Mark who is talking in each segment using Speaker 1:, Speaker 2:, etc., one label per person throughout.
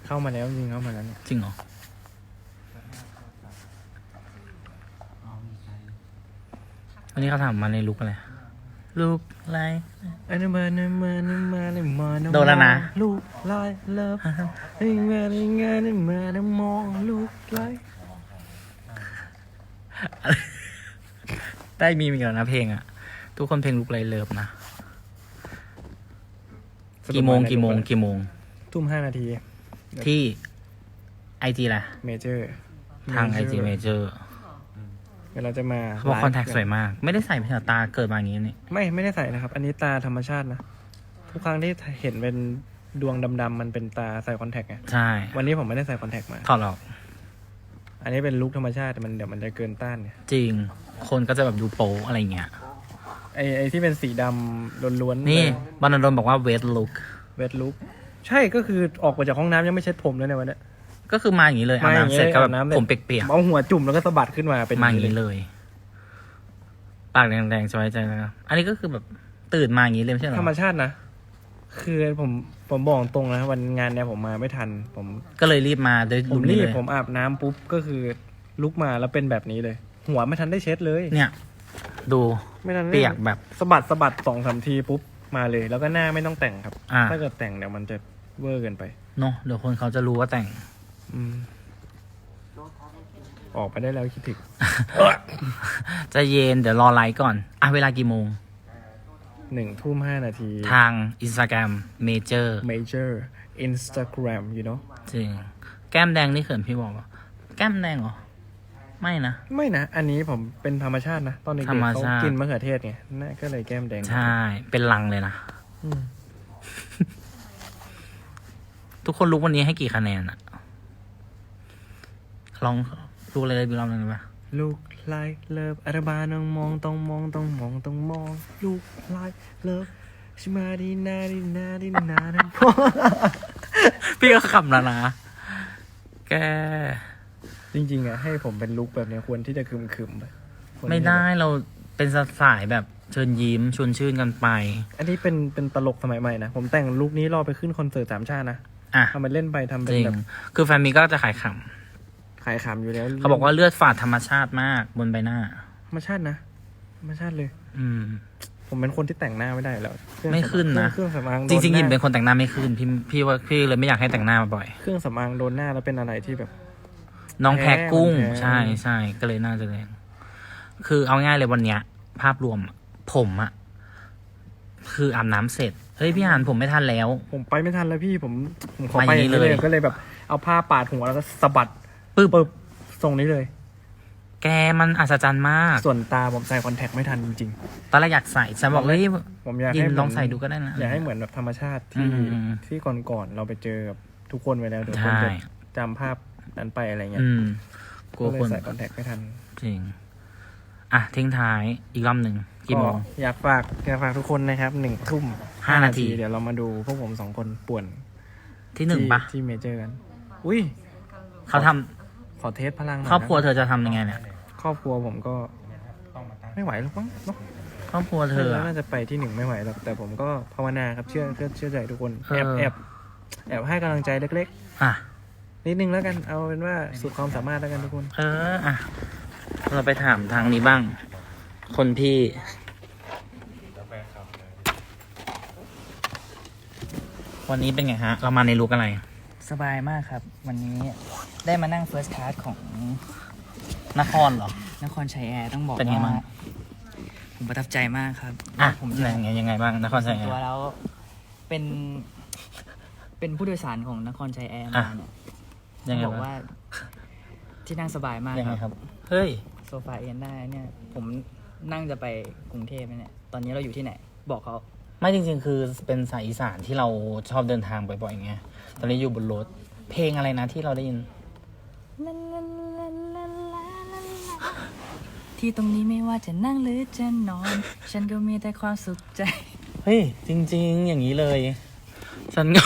Speaker 1: เข้ามาแล้วจริงเข้ามาแล้วเนี่ย
Speaker 2: จริงเหรอวันนี้เขาถามมาในลุกอะไรลุกอะไร
Speaker 1: อันนี้มาเนี่ยมาเนี่ยมาเนี่ยมาเนี่ย
Speaker 2: โดนแล้วนะ
Speaker 1: ลูกไล่เลิฟนี่มาเนี่ยมาเนี่ยมาเนี่ยมองลูกไล่
Speaker 2: ได้มีอีกแล้วนะเพลงอ่ะ ทุกคนเพลงลุกไรเลิฟนะกี่โมง
Speaker 1: ทุ่ม5 นาที
Speaker 2: ที่ไอจีแหละ
Speaker 1: เมเจอร์
Speaker 2: ทางไอจีเมเจอร์
Speaker 1: เดี๋ยวเราจะมา
Speaker 2: เขาบอกคอนแทคสวยมาก ไม่ได้ใส่เพชรตาเกิดมาอย่างนี้นี่
Speaker 1: ไม่ได้ใส่นะครับ อันนี้ตาธรรมชาตินะทุกครั้งที่เห็นเป็นดวงดำๆมันเป็นตาใส่คอนแทคไง
Speaker 2: ใช่
Speaker 1: วันนี้ผมไม่ได้ใส่คอนแทคมา
Speaker 2: ถอดออก
Speaker 1: อันนี้เป็นลุคธรรมชาติแต่เดี๋ยวมันจะเกินต้านเนี่ย
Speaker 2: จริง คนก็จะแบบดูโป๊อะไรเงี้ย
Speaker 1: ไอที่เป็นสีดำล้วนๆ
Speaker 2: นี่บรรณดลบอกว่าเวทลุก
Speaker 1: เวทลุคใช่ก็คือออกมาจากห้องน้ำยังไม่เช็ดผมเลยในวันนี้
Speaker 2: ก็คือมาอย่างนี้เลยอาบน้ำเสร็จก็แบบผมเปียก
Speaker 1: เอาหัวจุ่มแล้วก็สะบัดขึ้นมาเป็น
Speaker 2: ๆมาอย่างนี้เลย ปากแดงๆสบายใจนะครับอันนี้ก็คือแบบตื่นมาอย่างนี้เลยไม่ใช่เหรอ
Speaker 1: ธรรมชาตินะคือผมบอกตรงนะวันงานเนี่ยผมมาไม่ทันผม
Speaker 2: ก็เลยรีบมาด้วย
Speaker 1: ผ
Speaker 2: ลุ
Speaker 1: ม
Speaker 2: ค
Speaker 1: รี
Speaker 2: นี้
Speaker 1: บ
Speaker 2: เลย
Speaker 1: ผมอาบน้ำปุ๊บก็คือลุกมาแล้วเป็นแบบนี้เลย หัวไม่ทันได้เช็ดเลย
Speaker 2: เนี่ย ดู
Speaker 1: ไม่ทันได้
Speaker 2: เปียกแบบ
Speaker 1: สะบัด2-3 ทีปุ๊บมาเลย แล้วก็หน้าไม่ต้องแต่งครับ ถ้าเกิดแต่งเดี๋ยวมันจะเวอร์เกินไป
Speaker 2: เนาะเดี๋ยวคนเขาจะรู้ว่าแต่ง
Speaker 1: อืมออกไปได้แล้วคิดถึง
Speaker 2: จะเย็นเดี๋ยวรอไลฟ์ก่อนอ่ะเวลากี่โมง
Speaker 1: 1:05 นาที
Speaker 2: ทาง Instagram Major
Speaker 1: Major Instagram you know
Speaker 2: จริง แก้มแดงนี่เขินพี่บอกว่าแก้มแดงเหรอ ไม่นะ
Speaker 1: ไม่นะ อันนี้ผมเป็นธรรมชาตินะ ตอนเด็ก
Speaker 2: ธร
Speaker 1: ๆ
Speaker 2: รม
Speaker 1: เขา
Speaker 2: ชาติ
Speaker 1: กินมะเขือเทศไงน่าก็เลยแก้มแดง
Speaker 2: ใช่ เป็นลังเลยนะ
Speaker 1: อืม
Speaker 2: ทุกคนรู้วันนี้ให้กี่คะแนนอะลองดูเลยดูรอบหนึงได้ปะ
Speaker 1: ลูกไล่เลิฟอาราบาน้องมองต้องมองต้องมองต้องมองลูกไล่เลิฟชิมาดีนาดีนาดีนาดีพอ
Speaker 2: พี่ก็ขำแล้วนะ แก
Speaker 1: จริงๆอ่ะให้ผมเป็นลุคแบบเนี้ยควรที่จะคึมๆไปควรที่จะ
Speaker 2: ไม่ได้เราเป็นสายแบบเชิญยิ้มชวนชื่นกันไป
Speaker 1: อันนี้เป็นตลกสมัยใหม่นะ ผมแต่งลุคนี้รอไปขึ้นคอนเสิร์ต3 ชาตินะ
Speaker 2: อ่ะ
Speaker 1: ทำไปเล่นไปทำเป็
Speaker 2: จ
Speaker 1: น
Speaker 2: ริง
Speaker 1: แบบ
Speaker 2: คือแฟนมีก็จะขายข
Speaker 1: ขายขำอยู่แล้ว
Speaker 2: ำเขาบอกว่าเลือดฝาดธรรมชาติมากบนใบหน้า
Speaker 1: ธรรมชาตินะธรรมชาติเลย
Speaker 2: อืม
Speaker 1: ผมเป็นคนที่แต่งหน้าไม่ได้แล้วเครื่อง
Speaker 2: ไม่ขึ้นนะ
Speaker 1: เครื่องสำอาง
Speaker 2: จริงๆ
Speaker 1: โด
Speaker 2: ยิม
Speaker 1: หา
Speaker 2: เป็นคนแต่งหน้าไม่ขึ้นพี่ว่าพี่เลยไม่อยากให้แต่งหน้ามาบ่อย
Speaker 1: เครื่องสำอางโดนหน้าแล้วเป็นอะไรที่แบบ
Speaker 2: น้องแพ้กุ้ง
Speaker 1: แพ้
Speaker 2: ใช่ก็เลยน่าจะแรงคือเอาง่ายเลยวันเนี้ย ภาพรวมอะผมอะคืออาบน้ำเสร็จเฮ้ยพี่อ่านผมไม่ทันแล้ว
Speaker 1: ผมไปไม่ทันแล้วพี่ผมขอ
Speaker 2: มา
Speaker 1: ไป
Speaker 2: อย่างนี้
Speaker 1: อย่างนี้เลย
Speaker 2: เลย
Speaker 1: ก็เลยแบบเอาผ้าปาดหัวแล้วก็สะบัด
Speaker 2: ปึ๊บ
Speaker 1: ปึ๊บทรงนี้เลย
Speaker 2: แกมันอัศจรรย์มาก
Speaker 1: ส่วนตาผมใส่คอนแทคไม่ทันจริง
Speaker 2: ตอนแรกอยากใส่ฉันบอกเฮ้ย
Speaker 1: ๆผมอยาก
Speaker 2: ยิ
Speaker 1: ให้
Speaker 2: ม
Speaker 1: เหมืน
Speaker 2: ลองใส่ดูก็ได้นะ
Speaker 1: อยากให้เหมือนแบบธรรมชาติ
Speaker 2: อื
Speaker 1: ที่
Speaker 2: ม
Speaker 1: ที่ก่อนๆเราไปเจอกับทุกคนไปแล้วเดี๋ยวคน
Speaker 2: ใช่
Speaker 1: จะจำภาพนั้นไปอะไรเงี้ย
Speaker 2: อืมกลัว
Speaker 1: ก็เลย
Speaker 2: คน
Speaker 1: ใส่คอนแทคไม่ทัน
Speaker 2: จริงอ่ะทิ้งท้ายอีกรอบหนึ่งกี่โมง
Speaker 1: อยากฝากทุกคนนะครับ
Speaker 2: 5 นาที
Speaker 1: เดี๋ยวเรามาดูพวกผม2 คนป่วน
Speaker 2: ที่หนึ่งปะ
Speaker 1: ที่เมเจอร์กัน อุ้ย
Speaker 2: เขาทำ
Speaker 1: ขอเทสพลังหน่อย
Speaker 2: ครอบครัว
Speaker 1: นะ
Speaker 2: เธอจะทำยังไงเนี่ย
Speaker 1: ครอบครัวผมก็ไม่ไหวหรอกมั้งเนาะ
Speaker 2: ครอบครัวเธออะ
Speaker 1: น่าจะไปที่1ไม่ไหวหรอกแต่ผมก็ภาวนาครับเชื่อใจทุกคน
Speaker 2: เออ
Speaker 1: แอบให้กำลังใจเล็ก
Speaker 2: อ่ะ
Speaker 1: ๆนิดนึงแล้วกันเอาเป็นว่าสุดความสามารถแล้วกันทุกคน
Speaker 2: อ่ะเราไปถามทางนี้บ้าง คนพี่ วันนี้เป็นไงฮะ เรามาในลุกอะไร
Speaker 3: สบายมากครับ วันนี้ได้มานั่ง First Class ของ
Speaker 2: นครเหรอ
Speaker 3: นครชัยแอร์ต้องบอก
Speaker 2: เป็นไงบ้าง
Speaker 3: ว่าผมประทับใจมากครับ
Speaker 2: อ่ะ
Speaker 3: ผม
Speaker 2: ยังไงบ้างนครชัยแอ
Speaker 3: ตัว
Speaker 2: ร์
Speaker 3: แล้วเป็น เป็นผู้โดยสารของนครชัยแอร์
Speaker 2: อ่ะ
Speaker 3: มาเนี่ย
Speaker 2: ยังไง
Speaker 3: บอก
Speaker 2: บ้าง
Speaker 3: ว่าที่นั่งสบายมาก
Speaker 2: ยังไง
Speaker 3: ค
Speaker 2: ครับ รับ เฮ้ย
Speaker 3: โซฟาเอนได้เนี่ย ผมนั่งจะไปกรุงเทพเนี่ย ตอนนี้เราอยู่ที่ไหน บอกเขา
Speaker 2: ไม่จริงๆ คือเป็นสายอีสานที่เราชอบเดินทางบ่อยๆไง ตอนนี้อยู่บนรถ เพลงอะไรนะที่เราได้ยิน
Speaker 3: ที่ตรงนี้ไม่ว่าจะนั่งหรือจะนอน ฉันก็มีแต่ความสุขใจ
Speaker 2: เฮ้ย จริง ๆ อย่างนี้เลย ฉันก็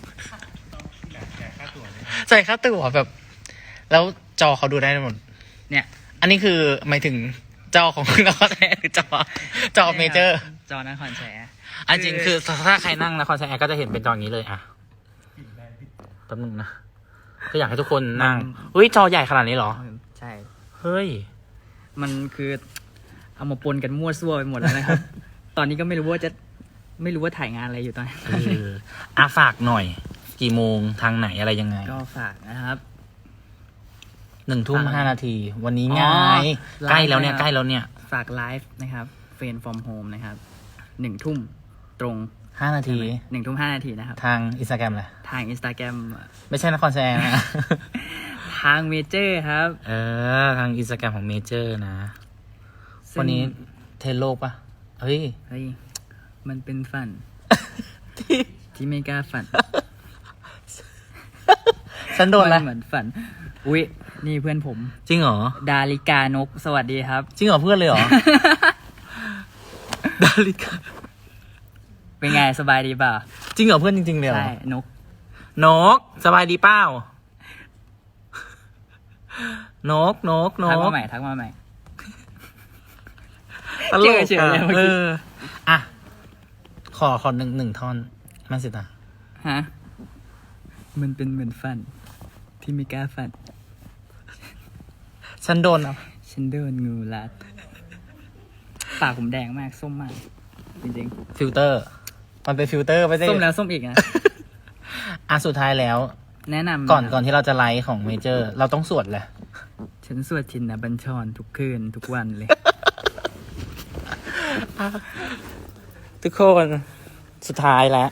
Speaker 2: ใส่ค่าตั๋วแบบ แล้วจอเขาดูได้หมด
Speaker 3: เนี่ย
Speaker 2: อันนี้คือหมายถึงจอของนครชัยแอร์หรือจอเมเจอร์
Speaker 3: จอนครชัยแอร์
Speaker 2: อันจริงคือถ้าใครนั่งนครชัยแอร์ก็จะเห็นเป็นจออย่างนี้เลยอ่ะแป๊บนึงนะก็อยากให้ทุกคนนั่งเฮ้ยจอใหญ่ขนาดนี้เหรอ
Speaker 3: ใช่
Speaker 2: เฮ้ย
Speaker 3: มันคือเอามาปนกันมั่วซั่วไปหมดแล้วนะครับ ตอนนี้ก็ไม่รู้ว่าถ่ายงานอะไรอยู่ตอนนี้
Speaker 2: เอออ่ะฝากหน่อย กี่โมงทางไหนอะไรยังไง
Speaker 3: ก็ฝากนะครับ
Speaker 2: 1:05 นาที วันนี้
Speaker 3: อ๋อ
Speaker 2: ง่าย
Speaker 3: ไลฟ์
Speaker 2: ใกล้แล้วเนี่ย
Speaker 3: นะครับ
Speaker 2: ใกล้แล้วเนี่ย
Speaker 3: ฝากไลฟ์นะครับเฟนฟอร์มโฮมนะครับ1 ทุ่มตรง
Speaker 2: 5 นาที
Speaker 3: 1 ทุ่ม 5 นาทีนะครับ
Speaker 2: ทางอินสตาแกรมแหละ
Speaker 3: ทาง Instagram
Speaker 2: ไม่ใช่นครแซงนะ
Speaker 3: ทางเมเจอร์ครับ
Speaker 2: ทางอินสตาแกรมของเมเจอร์นะ
Speaker 3: ซึ่ง
Speaker 2: วันนี้เทรนโลกปะเฮ้ย
Speaker 3: เฮ้ยมันเป็นฝัน ที่ไม่กล้าฝัน
Speaker 2: ฉันโดน
Speaker 3: มั
Speaker 2: แล้ว
Speaker 3: เหมือนฝัน อุ๊ย นี่เพื่อนผม
Speaker 2: จริงเหรอ
Speaker 3: ดาริกานก สวัสดีครับ
Speaker 2: จริงเหรอเพื่อนเลยเหรอ ดาริกา
Speaker 3: เป็นไงสบายดีเปล่า
Speaker 2: จริงเหรอเพื่อนจริงๆเลยเหรอ
Speaker 3: ใช่ นก
Speaker 2: นก สบายดีเปล่า นก
Speaker 3: ทักมาใหม่ ทักมาใหม่
Speaker 2: ตลก
Speaker 3: เจอเลยเมื่อกี้
Speaker 2: อ่ะ ขอหนึ่งท่อนแม่สิตา
Speaker 3: ฮะ มันเป็นเหมือนฝัน ที่ไม่กล้าฝัน
Speaker 2: ฉันโดนอ่ะ
Speaker 3: ฉันโดนงูรัด ปากผมแดงมาก ส้มมาก จริง
Speaker 2: ฟิลเตอร์ มันเป็นฟิลเตอร์ไม่ใช่
Speaker 3: ๆ ส้มแล้วส้มอีกนะ
Speaker 2: อ่ะสุดท้ายแล้ว
Speaker 3: แนะนำ
Speaker 2: ก่อนที่เราจะไลฟ์ของเมเจอร์ เราต้องสวดแหละ
Speaker 3: ฉันสวดชินบัญชรทุกคืนทุกวันเลย
Speaker 2: ทุกคนสุดท้ายแล้ว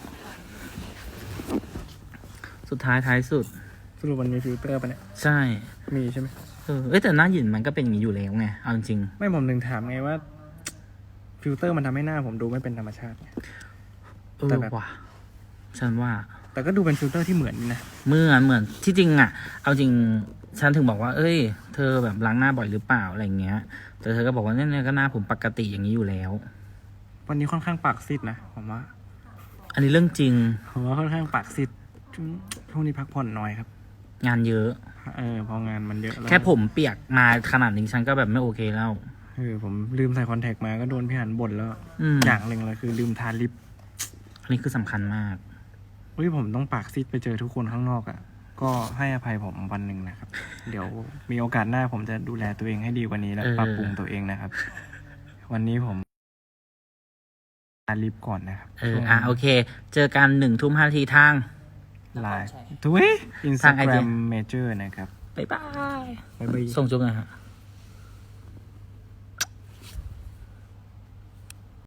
Speaker 2: สุดท้ายท้ายสุด
Speaker 1: สรุปมันมีฟิลเตอร์ปะเนี่ย
Speaker 2: ใช่
Speaker 1: มีใช่ไหม
Speaker 2: แต่หน้าหยินมันก็เป็นอย่างนี้อยู่แล้วไง เอาจริง
Speaker 1: ไม่ผมถึงถามไงว่า ฟิลเตอร์มันทำให้หน้าผมดูไม่เป็นธรรมชาติไง แต่แบบ
Speaker 2: ว่ะฉันว่า
Speaker 1: แต่ก็ดูเป็นฟิลเตอร์ที่เหมือนนี่นะ
Speaker 2: เหมือนที่จริงอ่ะ เอาจริง ฉันถึงบอกว่า เอ้ย เธอแบบล้างหน้าบ่อยหรือเปล่าอะไรเงี้ย แต่เธอก็บอกว่าเนี่ยก็หน้าผมปกติอย่างนี้อยู่แล้ว
Speaker 1: วันนี้ค่อนข้างปากซีดนะผมว่า
Speaker 2: อันนี้เรื่องจริง
Speaker 1: ผมว่าค่อนข้างปากซีดช่วงนี้พักผ่อนน้อยครับ
Speaker 2: งานเยอะ
Speaker 1: พองานมันเยอะแล้ว
Speaker 2: แค่ผมเปียกมาขนาดนี้ฉันก็แบบไม่โอเคแล้ว
Speaker 1: ผมลืมใส่คอนแทคมาก็โดนพี่หันบ่นแล้ว อย่างหนึ่งเลยคือลืมทาลิป
Speaker 2: อันนี้คือสำคัญมาก
Speaker 1: ผมต้องปากซีดไปเจอทุกคนข้างนอกอ่ะ ก็ให้อภัยผมวันหนึ่งนะครับ เดี๋ยวมีโอกาสหน้าผมจะดูแลตัวเองให้ดีกว่านี้และ
Speaker 2: เออ
Speaker 1: ปรับปรุงตัวเองนะครับ วันนี้ผมทาลิปก่อนนะครับช่วง
Speaker 2: โอเค เจอกัน1:05 นาทีทาง
Speaker 1: ไลน์ทุยอินส
Speaker 2: ทา
Speaker 1: ตาง แกร
Speaker 2: IG
Speaker 1: มเมเจอร์นะครับ
Speaker 2: บ๊ายบาย
Speaker 1: บ๊ายบาย
Speaker 2: ส่งจุ๊บหน่อยฮะ